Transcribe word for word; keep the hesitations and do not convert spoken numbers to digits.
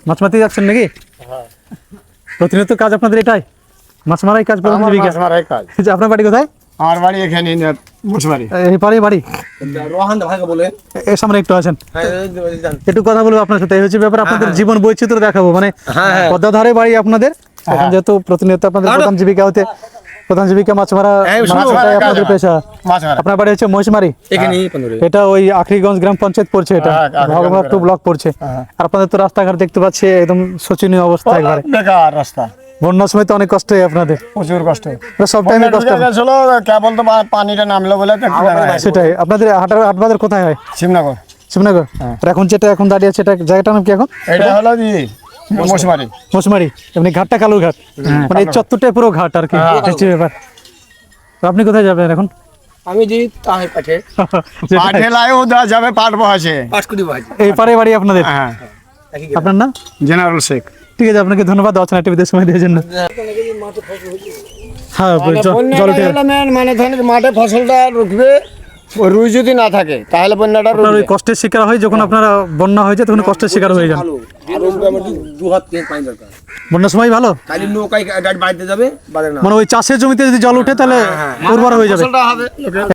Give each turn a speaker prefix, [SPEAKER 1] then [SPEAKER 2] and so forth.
[SPEAKER 1] মাছ মারতে যাচ্ছেন নাকি? প্রতিনিয়ত কাজ আপনাদের এটাই, মাছ মারাই কাজ?
[SPEAKER 2] মাছ মারাই কাজ।
[SPEAKER 1] আপনার বাড়ি কোথায়?
[SPEAKER 2] আমার বাড়ি এখানে মুসবাড়ি।
[SPEAKER 1] এই পারে বাড়ি? এর সামনে একটু আছেন, একটু কথা বলবো আপনার সাথে। এই হচ্ছে ব্যাপার, আপনাদের জীবন বৈচিত্র্য দেখাবো। মানে পদ্মা ধারে বাড়ি আপনাদের, এখন যেহেতু প্রতিনিয়ত আপনাদের প্রধান জীবিকা হতে প্রধান জীবিকা মাছ মারা, আপনাদের পেশা। আপনার বাড়ি হচ্ছে মহিষমারি, এটা ওই আখরিগঞ্জ গ্রাম পঞ্চায়েত পড়ছে, এটা ভগবান টু ব্লক পড়ছে। আর আপনাদের তো রাস্তাঘাট দেখতে পাচ্ছি একদম শোচনীয় অবস্থা, একবারে
[SPEAKER 2] বেকার রাস্তা।
[SPEAKER 1] বন্যার সময় তো অনেক কষ্ট হয় আপনাদের,
[SPEAKER 2] প্রচুর কষ্ট,
[SPEAKER 1] সব টাইমে কষ্ট।
[SPEAKER 2] কেবল তো পানিটা নামলো বলে।
[SPEAKER 1] সেটাই, আপনাদের হাটের হাট বাজার কোথায় হয়?
[SPEAKER 2] শিবনগর।
[SPEAKER 1] শিবনগর। আর এখন যেটা এখন দাঁড়িয়ে আছে, এটা জায়গাটার নাম কি এখন?
[SPEAKER 2] এটা হলো মহিষমারি।
[SPEAKER 1] মহিষমারি, এমনি ঘাটটা কালুর ঘাট, মানে এই চত্বরটাই পুরো ঘাট আর কি, হচ্ছে ব্যাপার। তো আপনি কোথায় যাবেন এখন?
[SPEAKER 3] আমি যে তাহে পাঠে
[SPEAKER 2] পাঠে লাইও দেওয়া যাবে, পাট বহাছে
[SPEAKER 3] পাঁচকুড়ি ভাই।
[SPEAKER 1] এই পারে বাড়ি আপনাদের?
[SPEAKER 2] হ্যাঁ।
[SPEAKER 1] আপনার নাম?
[SPEAKER 2] জেনারেল শেখ।
[SPEAKER 1] ঠিক আছে, আপনাকে ধন্যবাদ অচেনা টিভিতে সময় দেওয়ার জন্য। হ্যাঁ, জল উঠে
[SPEAKER 2] মানে ধরেন মাঠে ফসলটা রুখবে, রুই যদি না থাকে তাহলে বন্যাটা
[SPEAKER 1] ওই কষ্টের শিকার হয়। যখন আপনারা বন্যা হয়ে যায় তখন কষ্টের শিকার হয়ে যান।
[SPEAKER 3] দু হাত তিন পানি দরকার।
[SPEAKER 1] বন্যার সময় ভালো,
[SPEAKER 3] খালি নৌকায় গাড়ি বাড়িতে যাবে,
[SPEAKER 1] মানে ওই চাষের জমিতে যদি জল উঠে তাহলে উর্বর হয়ে যাবে।